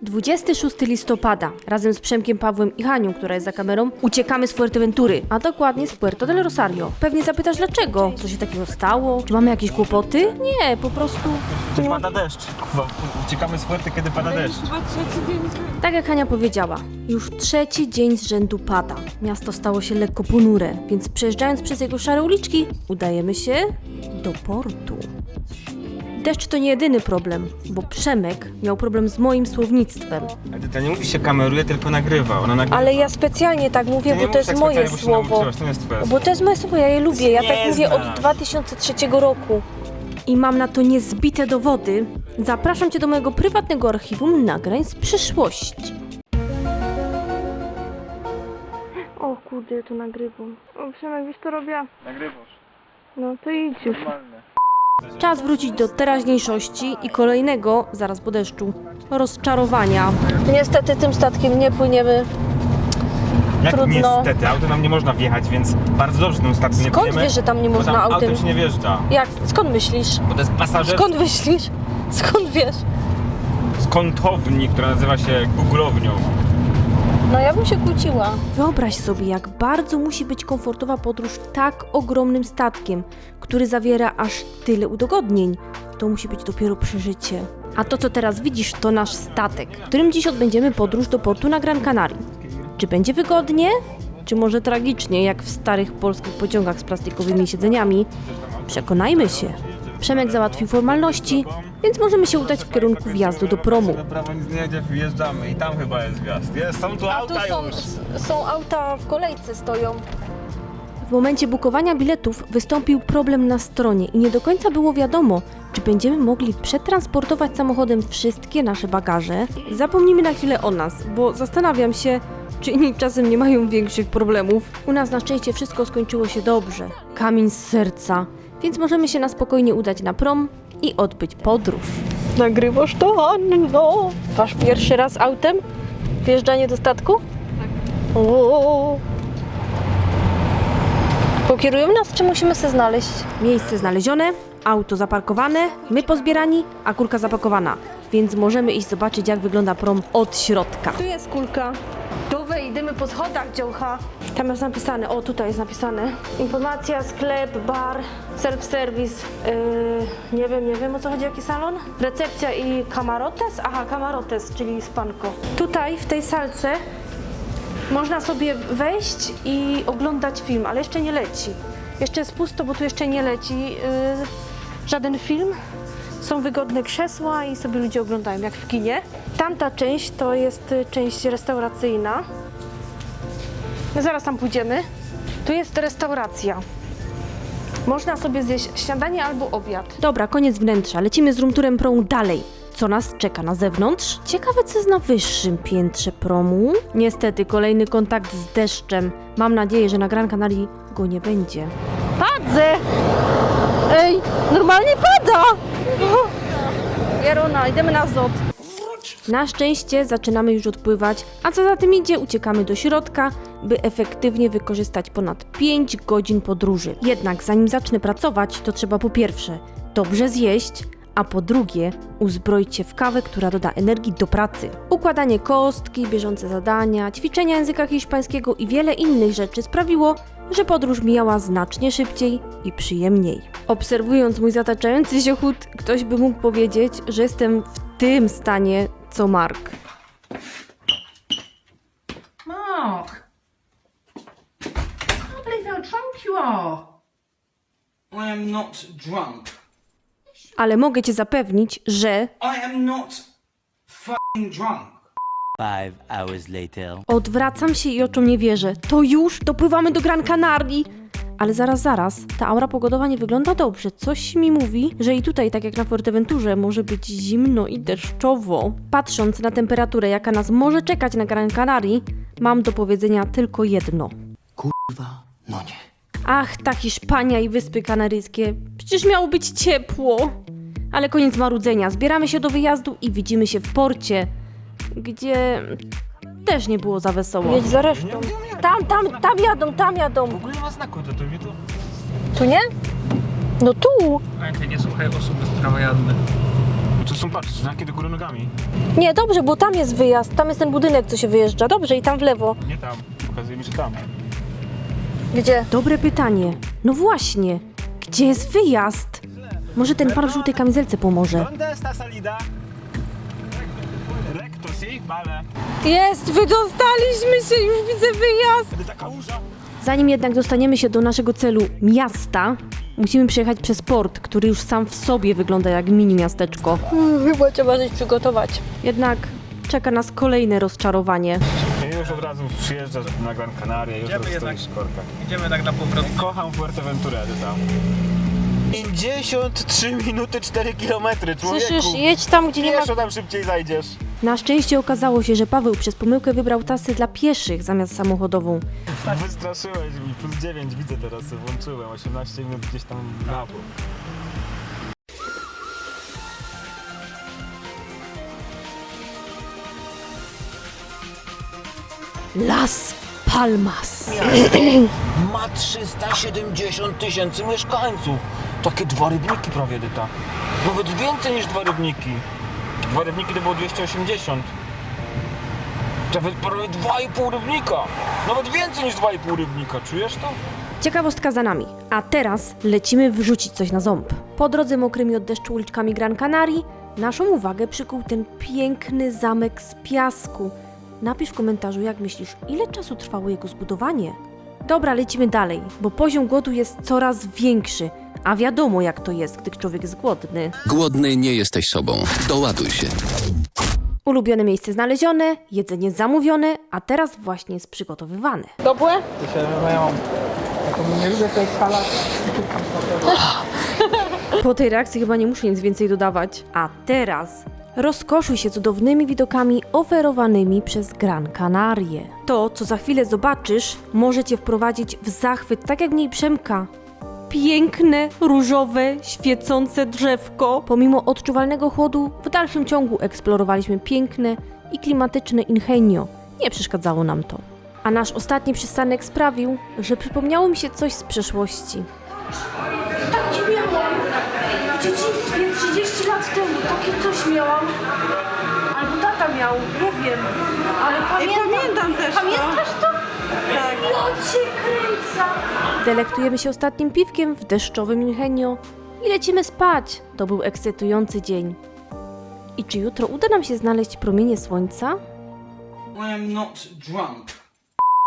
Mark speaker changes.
Speaker 1: 26 listopada. Razem z Przemkiem, Pawłem i Hanią, która jest za kamerą, uciekamy z Fuerteventury, a dokładnie z Puerto del Rosario. Pewnie zapytasz dlaczego? Co się takiego stało? Czy mamy jakieś kłopoty? Nie, po prostu...
Speaker 2: Kiedy pada deszcz. Uciekamy z Fuerty, kiedy pada deszcz.
Speaker 1: Tak jak Hania powiedziała, już trzeci dzień z rzędu pada. Miasto stało się lekko ponure, więc przejeżdżając przez jego szare uliczki, udajemy się do portu. Deszcz to nie jedyny problem, bo Przemek miał problem z moim słownictwem.
Speaker 2: Ale to nie mówi się kameruje, tylko nagrywa. Ona nagrywa.
Speaker 1: Ale ja specjalnie tak mówię,
Speaker 2: Ty nie
Speaker 1: bo to
Speaker 2: mów
Speaker 1: jest
Speaker 2: tak
Speaker 1: moje
Speaker 2: specjalnie, bo się
Speaker 1: słowo.
Speaker 2: nauczyłaś, to nie jest twoje
Speaker 1: Bo to jest moje słowo, ja je lubię, ja
Speaker 2: Nie
Speaker 1: tak mówię
Speaker 2: znam.
Speaker 1: od 2003 roku. I mam na to niezbite dowody. Zapraszam Cię do mojego prywatnego archiwum nagrań z przyszłości. O kurde, to nagrywam. O Przemek, wiesz co robię?
Speaker 2: Nagrywasz.
Speaker 1: No to idź już.
Speaker 2: Normalne.
Speaker 1: Czas wrócić do teraźniejszości i kolejnego, zaraz po deszczu, rozczarowania. Niestety tym statkiem nie płyniemy.
Speaker 2: Jak
Speaker 1: Trudno.
Speaker 2: niestety, autem nam nie można wjechać, więc bardzo dobrze tym statkiem nie
Speaker 1: Skąd
Speaker 2: płyniemy,
Speaker 1: wiesz, że tam nie
Speaker 2: bo
Speaker 1: można
Speaker 2: tam
Speaker 1: autem?
Speaker 2: autem się nie wjeżdża.
Speaker 1: Jak? Skąd myślisz?
Speaker 2: Bo to jest pasażer
Speaker 1: Skąd myślisz? Skąd wiesz?
Speaker 2: z kątowni, która nazywa się Googlownią.
Speaker 1: No ja bym się kłóciła. Wyobraź sobie, jak bardzo musi być komfortowa podróż tak ogromnym statkiem, który zawiera aż tyle udogodnień. To musi być dopiero przeżycie. A to, co teraz widzisz, to nasz statek, którym dziś odbędziemy podróż do portu na Gran Canaria. Czy będzie wygodnie? Czy może tragicznie, jak w starych polskich pociągach z plastikowymi siedzeniami? Przekonajmy się. Przemek załatwił formalności, więc możemy się udać w kierunku wjazdu do promu.
Speaker 2: Na prawo nic nie jedzie, wjeżdżamy i tam chyba jest wjazd. Są tu auta już.
Speaker 1: Są auta w kolejce stoją. W momencie bukowania biletów wystąpił problem na stronie i nie do końca było wiadomo, czy będziemy mogli przetransportować samochodem wszystkie nasze bagaże. Zapomnijmy na chwilę o nas, bo zastanawiam się, czy inni czasem nie mają większych problemów. U nas na szczęście wszystko skończyło się dobrze. Kamień z serca, więc możemy się na spokojnie udać na prom i odbyć podróż. Nagrywasz to, Anno? Wasz pierwszy raz autem? Wjeżdżanie do statku? Tak. O. Pokierują nas, czy musimy się znaleźć? Miejsce znalezione, auto zaparkowane, my pozbierani, a kulka zapakowana. Więc możemy iść zobaczyć, jak wygląda prom od środka. Tu jest kulka. Tu wejdziemy po schodach, dziołcha. Tam jest napisane, o tutaj jest napisane. Informacja, sklep, bar, self-service. Nie wiem o co chodzi, jaki salon? Recepcja i camarotes? Aha, camarotes, czyli spanko. Tutaj, w tej salce, można sobie wejść i oglądać film, ale jeszcze nie leci. Jeszcze jest pusto, bo tu jeszcze nie leci żaden film. Są wygodne krzesła i sobie ludzie oglądają, jak w kinie. Tamta część to jest część restauracyjna. Zaraz tam pójdziemy. Tu jest restauracja. Można sobie zjeść śniadanie albo obiad. Dobra, koniec wnętrza. Lecimy z roomturem promu dalej. Co nas czeka na zewnątrz? Ciekawe, co jest na wyższym piętrze promu. Niestety, kolejny kontakt z deszczem. Mam nadzieję, że na Gran Canaria go nie będzie. Padzę! Ej, normalnie pada! Jarona, idziemy na zot. Na szczęście zaczynamy już odpływać, a co za tym idzie, uciekamy do środka, by efektywnie wykorzystać ponad 5 godzin podróży. Jednak zanim zacznę pracować, to trzeba po pierwsze dobrze zjeść, a po drugie uzbroić się w kawę, która doda energii do pracy. Układanie kostki, bieżące zadania, ćwiczenia języka hiszpańskiego i wiele innych rzeczy sprawiło, że podróż mijała znacznie szybciej i przyjemniej. Obserwując mój zataczający się chód, ktoś by mógł powiedzieć, że jestem w tym stanie co Mark.
Speaker 3: Mark! I can't believe how drunk you are.
Speaker 4: I am not drunk.
Speaker 1: Ale mogę Cię zapewnić, że
Speaker 4: I am not f***ing drunk.
Speaker 5: 5 hours later.
Speaker 1: odwracam się i oczom nie wierzę. To już dopływamy do Gran Canarii. Ale zaraz, ta aura pogodowa nie wygląda dobrze. Coś mi mówi, że i tutaj, tak jak na Fuerteventurze, może być zimno i deszczowo. Patrząc na temperaturę, jaka nas może czekać na Gran Canarii, mam do powiedzenia tylko jedno.
Speaker 4: No nie.
Speaker 1: Ach, ta Hiszpania i Wyspy Kanaryjskie. Przecież miało być ciepło. Ale koniec marudzenia. Zbieramy się do wyjazdu i widzimy się w porcie, gdzie też nie było za wesoło. Jedź za resztą. Tam jadą.
Speaker 2: W ogóle nie ma znaku, to mnie to...
Speaker 1: Tu nie? No tu.
Speaker 6: Pamiętaj, nie słuchaj osób bez prawa jazdy.
Speaker 2: No to są, patrz, znaki do góry nogami.
Speaker 1: Nie, dobrze, bo tam jest wyjazd, tam jest ten budynek, co się wyjeżdża. Dobrze, i tam w lewo.
Speaker 2: Nie tam, pokazuje mi, że tam.
Speaker 1: Gdzie? Dobre pytanie. No właśnie, gdzie jest wyjazd? Może ten pan w żółtej kamizelce pomoże.
Speaker 2: Donde sta salida? Recto, si? Vale.
Speaker 1: Jest, wydostaliśmy się, już widzę wyjazd.
Speaker 2: Taka łóża.
Speaker 1: Zanim jednak dostaniemy się do naszego celu miasta, musimy przejechać przez port, który już sam w sobie wygląda jak mini miasteczko. Chyba trzeba coś przygotować. Jednak czeka nas kolejne rozczarowanie.
Speaker 2: I już od razu przyjeżdżasz na Gran Canaria, już stoisz w korkach.
Speaker 6: Idziemy tak na powrót.
Speaker 2: Kocham Fuerteventurę, tam. 53 minuty 4 kilometry, człowieku.
Speaker 1: Słyszysz, jedź tam, gdzie nie ma...
Speaker 2: Pieszo tam szybciej zajdziesz.
Speaker 1: Na szczęście okazało się, że Paweł przez pomyłkę wybrał trasę dla pieszych zamiast samochodową.
Speaker 2: Wystraszyłeś mi, plus 9 widzę teraz, włączyłem, 18 minut gdzieś tam na bok.
Speaker 1: Las Palmas.
Speaker 2: Ma 370 000 mieszkańców. Takie 2 rybniki prawie, Dyta. Nawet więcej niż 2 rybniki. 2 rybniki to było 280. Nawet prawie 2,5 rybnika. Nawet więcej niż 2,5 rybnika. Czujesz to?
Speaker 1: Ciekawostka za nami. A teraz lecimy wrzucić coś na ząb. Po drodze mokrymi od deszczu uliczkami Gran Canarii naszą uwagę przykuł ten piękny zamek z piasku. Napisz w komentarzu, jak myślisz, ile czasu trwało jego zbudowanie? Dobra, lecimy dalej, bo poziom głodu jest coraz większy, a wiadomo jak to jest, gdy człowiek jest głodny.
Speaker 7: Głodny nie jesteś sobą. Doładuj się.
Speaker 1: Ulubione miejsce znalezione, jedzenie zamówione, a teraz właśnie jest przygotowywane. Dobre?
Speaker 6: Nie lubię tej salady.
Speaker 1: Po tej reakcji chyba nie muszę nic więcej dodawać. A teraz rozkoszuj się cudownymi widokami oferowanymi przez Gran Canarię. To, co za chwilę zobaczysz, może cię wprowadzić w zachwyt, tak jak w niej Przemka. Piękne, różowe, świecące drzewko. Pomimo odczuwalnego chłodu, w dalszym ciągu eksplorowaliśmy piękne i klimatyczne Ingenio. Nie przeszkadzało nam to. A nasz ostatni przystanek sprawił, że przypomniało mi się coś z przeszłości. Tak nie miałam. W dzieciństwie 30 lat temu takie coś miałam. Albo tata miał, nie wiem. Ale pamiętam też Pamiętasz to? Tak. Ja cię kręcę. Delektujemy się ostatnim piwkiem w deszczowym Ingenio i lecimy spać. To był ekscytujący dzień. I czy jutro uda nam się znaleźć promienie słońca?
Speaker 4: I am not drunk.